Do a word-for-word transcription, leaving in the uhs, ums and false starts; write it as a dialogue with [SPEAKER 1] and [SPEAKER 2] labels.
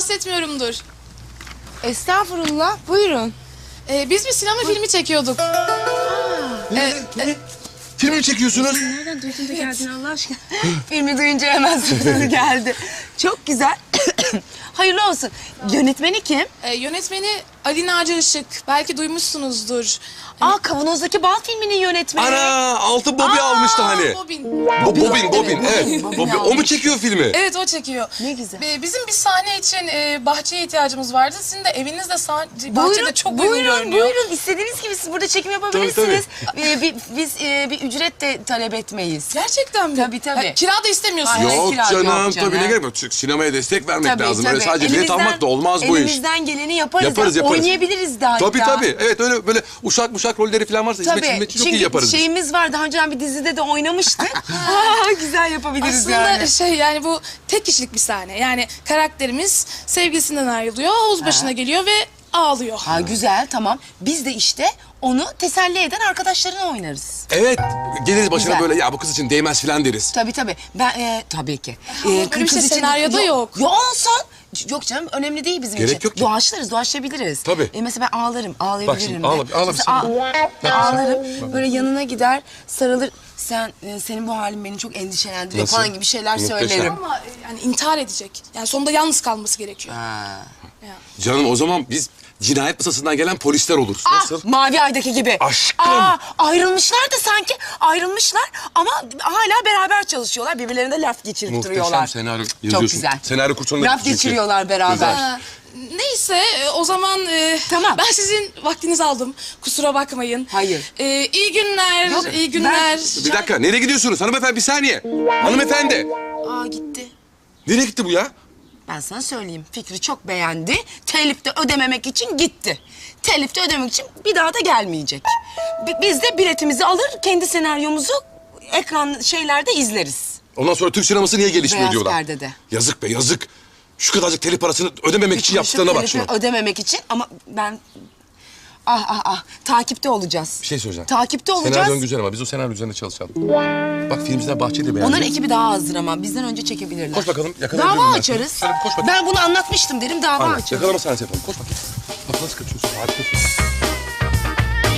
[SPEAKER 1] rahatsız etmiyorumdur.
[SPEAKER 2] Estağfurullah, buyurun.
[SPEAKER 1] Ee, biz bir sinema filmi çekiyorduk.
[SPEAKER 3] Ne? Ne? Film mi çekiyorsunuz?
[SPEAKER 2] Nereden duydun da geldin Allah aşkına? Filmi duyunca hemen sırtını geldi. Çok güzel. Hayırlı olsun. Yönetmeni kim?
[SPEAKER 1] Ee, yönetmeni Ali Naci Işık. Belki duymuşsunuzdur.
[SPEAKER 2] Aa, Kavanoz'daki Bal filminin yönetmeni.
[SPEAKER 3] Ana, altın Bobby almıştı hani.
[SPEAKER 1] Bobin.
[SPEAKER 3] Bo Bobin, Bobin, evet.
[SPEAKER 2] Bobin
[SPEAKER 3] Bobby. O mu
[SPEAKER 2] almış.
[SPEAKER 3] çekiyor filmi?
[SPEAKER 1] Evet, o çekiyor.
[SPEAKER 2] Ne güzel.
[SPEAKER 1] Ee, bizim bir sahne için e, bahçeye ihtiyacımız vardı. Sizin de evinizde sah bahçede
[SPEAKER 2] Buyurun,
[SPEAKER 1] çok uygun
[SPEAKER 2] buyurun,
[SPEAKER 1] görünüyor.
[SPEAKER 2] buyurun. İstediğiniz gibi siz burada çekim yapabilirsiniz. Ee, bi- biz e, bir ücret de talep etmeyiz.
[SPEAKER 1] Gerçekten mi?
[SPEAKER 2] Tabii, tabii.
[SPEAKER 1] Ya, kira da istemiyorsunuz.
[SPEAKER 2] Hayır.
[SPEAKER 3] Yok
[SPEAKER 2] kira
[SPEAKER 3] canım,
[SPEAKER 2] yok canım.
[SPEAKER 3] tabii ne gerek var? Çünkü sinemaya destek vermek lazım. Öyle sadece bilet
[SPEAKER 2] Elimizden-
[SPEAKER 3] almak da olmaz bu iş.
[SPEAKER 2] Elimizden geleni yaparız.
[SPEAKER 3] Yaparız,
[SPEAKER 2] ya.
[SPEAKER 3] yaparız.
[SPEAKER 2] Oynayabiliriz de hatta.
[SPEAKER 3] Tabii tabii. Evet, öyle böyle uşak muşak rolleri falan varsa hizmetçi
[SPEAKER 2] Tabii.
[SPEAKER 3] hizmetçi çok
[SPEAKER 2] Çünkü
[SPEAKER 3] iyi yaparız. biz.
[SPEAKER 2] şeyimiz var. Daha önceden bir dizide de oynamıştık. Aa, güzel yapabiliriz
[SPEAKER 1] Aslında
[SPEAKER 2] yani.
[SPEAKER 1] şey yani bu tek kişilik bir sahne. Yani karakterimiz sevgilisinden ayrılıyor, havuz başına geliyor ve ağlıyor.
[SPEAKER 2] Ha, güzel, tamam. Biz de işte onu teselli eden arkadaşlarına oynarız.
[SPEAKER 3] Evet, geliriz başına
[SPEAKER 2] Güzel.
[SPEAKER 3] böyle ya bu kız için değmez falan deriz.
[SPEAKER 2] Tabii tabii. Ben e, tabii ki.
[SPEAKER 1] Ama
[SPEAKER 2] E,
[SPEAKER 1] böyle bir
[SPEAKER 2] kız
[SPEAKER 1] şey
[SPEAKER 2] için-
[SPEAKER 1] senaryoda yok.
[SPEAKER 2] Yok olsun. Yok canım, önemli değil bizim
[SPEAKER 3] Gerek
[SPEAKER 2] için.
[SPEAKER 3] yok ki.
[SPEAKER 2] Doğaçlarız, doğaçlayabiliriz.
[SPEAKER 3] Tabii.
[SPEAKER 2] E, mesela ben ağlarım, ağlayabilirim.
[SPEAKER 3] Bak şimdi,
[SPEAKER 2] de.
[SPEAKER 3] ağla- ağla bir
[SPEAKER 2] Mesela
[SPEAKER 3] sen.
[SPEAKER 2] ağ- ağlarım, böyle yanına gider, sarılır. Sen, e, senin bu halin beni çok endişelendiriyor
[SPEAKER 3] Nasıl?
[SPEAKER 2] falan gibi şeyler
[SPEAKER 3] Muhteşem.
[SPEAKER 2] söylerim.
[SPEAKER 1] Ama e, yani intihar edecek. Yani sonunda yalnız kalması gerekiyor.
[SPEAKER 2] Ha.
[SPEAKER 1] Ya.
[SPEAKER 3] Canım o zaman biz cinayet masasından gelen polisler oluruz.
[SPEAKER 2] Ah,
[SPEAKER 3] Nasıl?
[SPEAKER 2] Mavi Ay'daki gibi.
[SPEAKER 3] Aşkım.
[SPEAKER 2] Aa, ayrılmışlar da sanki ayrılmışlar ama hala beraber çalışıyorlar. Birbirlerine laf geçirip
[SPEAKER 3] Muhteşem
[SPEAKER 2] duruyorlar.
[SPEAKER 3] senaryo
[SPEAKER 2] Çok
[SPEAKER 3] yazıyorsun.
[SPEAKER 2] güzel.
[SPEAKER 3] Senaryo kursuna
[SPEAKER 2] Laf
[SPEAKER 3] gittin çünkü.
[SPEAKER 2] geçiriyorlar beraber.
[SPEAKER 3] Güzel.
[SPEAKER 1] Ha, neyse e, o zaman e,
[SPEAKER 2] Tamam.
[SPEAKER 1] ben sizin vaktinizi aldım. Kusura bakmayın.
[SPEAKER 2] Hayır.
[SPEAKER 1] E, iyi günler,
[SPEAKER 2] Yok,
[SPEAKER 1] iyi günler.
[SPEAKER 3] Bir dakika, nereye gidiyorsunuz? Hanımefendi bir saniye. Hanımefendi.
[SPEAKER 2] Aa, gitti.
[SPEAKER 3] Nereye gitti bu ya?
[SPEAKER 2] Ben sana söyleyeyim. Fikri çok beğendi. Telif de ödememek için gitti. Telif de ödemek için bir daha da gelmeyecek. Bi- Biz de biletimizi alır, kendi senaryomuzu ekran şeylerde izleriz.
[SPEAKER 3] Ondan sonra Türk sineması niye gelişmiyor
[SPEAKER 2] Beyaz
[SPEAKER 3] diyorlar.
[SPEAKER 2] perdede.
[SPEAKER 3] Yazık be yazık. Şu kadarcık telif parasını ödememek için yaptığına bak
[SPEAKER 2] Telifi
[SPEAKER 3] şunu.
[SPEAKER 2] ödememek için ama ben... Ah ah ah, takipte olacağız.
[SPEAKER 3] Bir şey söyleyeceğim.
[SPEAKER 2] Takipte olacağız.
[SPEAKER 3] Senaryon güzel ama biz o senaryo üzerine çalışalım. Bak filmciler bahçeyi de beğendi.
[SPEAKER 2] Onların ekibi daha azdır ama bizden önce çekebilirler.
[SPEAKER 3] Koş bakalım, yakalayabilir miyim
[SPEAKER 2] Dava
[SPEAKER 3] ben
[SPEAKER 2] açarız.
[SPEAKER 3] seni? Şöyle bir koş bakayım.
[SPEAKER 2] Ben bunu anlatmıştım derim, dava
[SPEAKER 3] Aynen,
[SPEAKER 2] açarız.
[SPEAKER 3] yakalama sahnesi yapalım. Koş bakayım. Bak nasıl kaçıyorsun, harikasın.